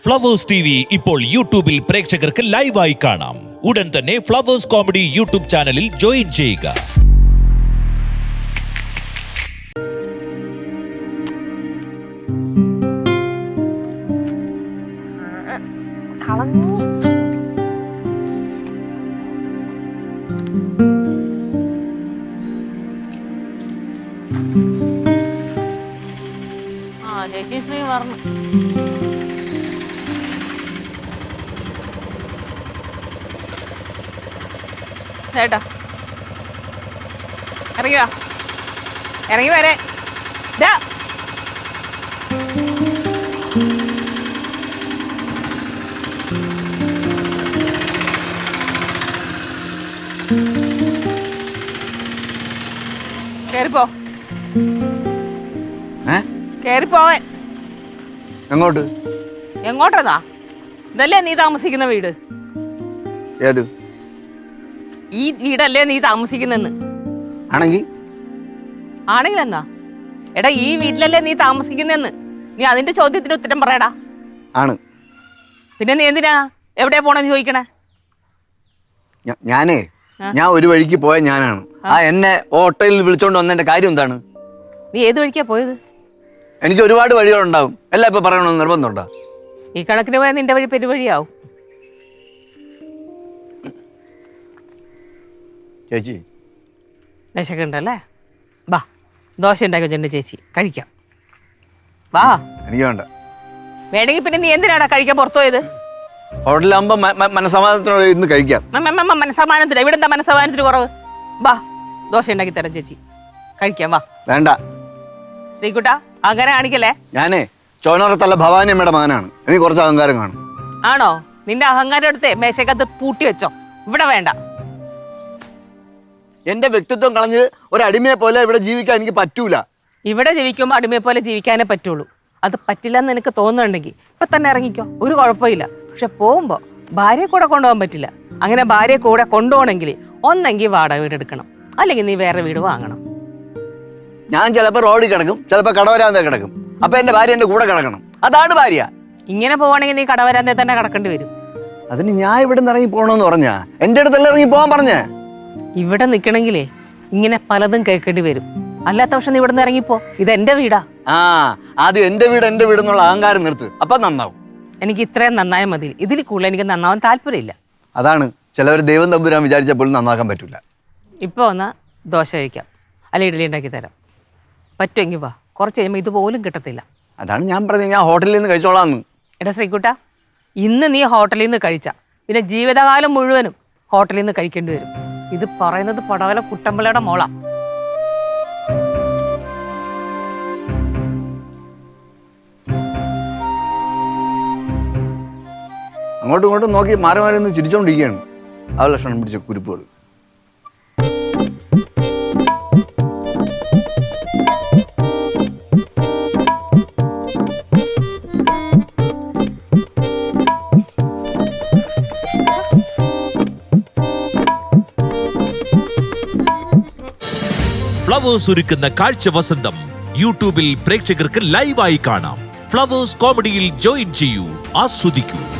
Flowers TV ഇപ്പോൾ യൂട്യൂബിൽ പ്രേക്ഷകർക്ക് ലൈവായി കാണാം. ഉടൻ തന്നെ ഫ്ലവേഴ്സ് കോമഡി യൂട്യൂബ് ചാനലിൽ ജോയിൻ ചെയ്യുക. ചേച്ചി ശ്രീ പറഞ്ഞു ചേട്ടാ ഇറങ്ങിവാ, ഇറങ്ങി വരെ കേറിപ്പോ, കേറിപ്പോവാൻ. എങ്ങോട്ട്? എങ്ങോട്ടതാ? ഇതല്ലേ നീ താമസിക്കുന്ന വീട്? ഏത് ഈ വീടല്ലേ നീ താമസിക്കുന്നെന്ന്? ആണെങ്കിൽ എന്നാ എടാ, ഈ വീട്ടിലല്ലേ നീ താമസിക്കുന്നെന്ന്? നീ അതിന്റെ ചോദ്യത്തിന് ഉത്തരം പറയടാ. ആണ്. പിന്നെ നീ എന്തിനാ എവിടെയാ പോണെന്ന് ചോദിക്കണേ? ഞാൻ ഒരു വഴിക്ക് പോയ ഞാനാണ്. എന്നെ ഓട്ടോയിൽ വിളിച്ചോണ്ട് വന്നതിന്റെ കാര്യം എന്താണ്? നീ ഏത് വഴിക്കാ പോയത്? എനിക്ക് ഒരുപാട് വഴികളുണ്ടാവും. എല്ലാം ഇപ്പൊ പറയണമെന്ന് നിർബന്ധമുണ്ടോ? ഈ കണക്കിന് പോയാൽ നിന്റെ വഴി പെരുവഴിയാവും. ചേച്ചി വിശക്കുണ്ടല്ലേ? വാ, ദോശ ഉണ്ടാക്കി വെച്ചിട്ടുണ്ട് ചേച്ചി, കഴിക്കാം. വാ. എനിക്ക് വേണ്ട. വേണമെങ്കിൽ പിന്നെ നീ എന്തിനാടാ കഴിക്കാൻ പുറത്തു പോയത്? ഹോട്ടലാകുമ്പോ മനസമാധാനത്തോടെ ഇരുന്ന് കഴിക്കാം. മനസമാധാനത്തിന് ഇവിടെ എന്താ മനസമാധാനത്തിന് കുറവ്? വാ, ദോശ ഉണ്ടാക്കി തരാം ചേച്ചി, കഴിക്കാം. വാ. വേണ്ട ശ്രീകുട്ടാ, അങ്ങനെ കാണിക്കല്ലേ. ചോനറത്തല്ല ഭവാനി അമ്മയുടെ മകനാണ്. എനിക്ക് കുറച്ച് അഹങ്കാരം കാണും. ആണോ? നിന്റെ അഹങ്കാരം എടുത്ത് മേശക്കകത്ത് പൂട്ടി വെച്ചോ. ഇവിടെ വേണ്ട. എന്റെ വ്യക്തിത്വം കളഞ്ഞ് ഒരു അടിമയെ പോലെ ഇവിടെ ജീവിക്കാൻ എനിക്ക് പറ്റൂല. ഇവിടെ ജീവിക്കുമ്പോൾ അടിമയെ പോലെ ജീവിക്കാനേ പറ്റുള്ളൂ. അത് പറ്റില്ലെന്ന് എനിക്ക് തോന്നുന്നുണ്ടെങ്കിൽ ഇപ്പൊ തന്നെ ഇറങ്ങിക്കോ, ഒരു കുഴപ്പമില്ല. പക്ഷെ പോകുമ്പോ ഭാര്യയെ കൂടെ കൊണ്ടുപോകാൻ പറ്റില്ല. അങ്ങനെ ഭാര്യയെ കൂടെ കൊണ്ടുപോകണമെങ്കിൽ ഒന്നെങ്കിൽ വാടക വീട് എടുക്കണം, അല്ലെങ്കിൽ നീ വേറെ വീട് വാങ്ങണം. ഞാൻ ചിലപ്പോ റോഡിൽ കിടക്കും, ചിലപ്പോ കടവരാന്ത കിടക്കും. അപ്പൊ എന്റെ ഭാര്യ എന്റെ കൂടെ കിടക്കണം. അതാണ് ഭാര്യ. ഇങ്ങനെ പോവാണെങ്കിൽ നീ കടവരാന്തേ തന്നെ കിടക്കേണ്ടി വരും. അതിന് ഞാൻ ഇവിടെ നിന്ന് ഇറങ്ങി പോകണമെന്ന് പറഞ്ഞാ എന്റെ അടുത്തല്ല ഇറങ്ങി പോകാൻ പറഞ്ഞേ. ഇവിടെ നിക്കണെങ്കിലേ ഇങ്ങനെ പലതും കേൾക്കേണ്ടി വരും. അല്ലാത്ത പക്ഷെ നീ ഇവിടെ നിന്ന് ഇറങ്ങിപ്പോ. ഇത് എന്റെ വീടാ. ആദ്യം എന്റെ വീട് എന്നുള്ള അഹങ്കാരം നിർത്ത്, അപ്പൊ നന്നാവും. എനിക്ക് ഇത്രയും നന്നായ മതി. ഇതിൽ കൂടുതൽ എനിക്ക് നന്നാവാൻ താല്പര്യമില്ല. അതാണ് ചിലവർ ദൈവം തമ്പുരാൻ വിചാരിച്ചപ്പോഴും നന്നാക്കാൻ പറ്റൂല. ഇപ്പൊ വന്നാ ദോശ കഴിക്കാം, അല്ല ഇഡലി ഉണ്ടാക്കി തരാം. പറ്റുമെങ്കിൽ വാ, കുറച്ച് കഴിയുമ്പോൾ ഇതുപോലും കിട്ടത്തില്ല. അതാണ് ഞാൻ പറഞ്ഞത്, ഞാൻ ഹോട്ടലിൽ നിന്ന് കഴിച്ചോളാന്ന്. എടാ ശ്രീകുട്ടാ, ഇന്ന് നീ ഹോട്ടലിൽ നിന്ന് കഴിച്ച പിന്നെ ജീവിതകാലം മുഴുവനും ഹോട്ടലിൽ നിന്ന് കഴിക്കേണ്ടി വരും. ഇത് പറയുന്നത് പടവല കുട്ടമ്പിളയുടെ മോളാ. അങ്ങോട്ടും ഇങ്ങോട്ടും നോക്കി മാറി മാറി ഒന്ന് ചിരിച്ചോണ്ടിരിക്കുകയാണ്. ആ ലക്ഷണം പിടിച്ച കുരുപ്പുകൾ. ഫ്ലവേഴ്സ് ഒരുക്കുന്ന കാഴ്ച വസന്തം യൂട്യൂബിൽ പ്രേക്ഷകർക്ക് ലൈവായി കാണാം. ഫ്ലവേഴ്സ് കോമഡിയിൽ ജോയിൻ ചെയ്യൂ, ആസ്വദിക്കൂ.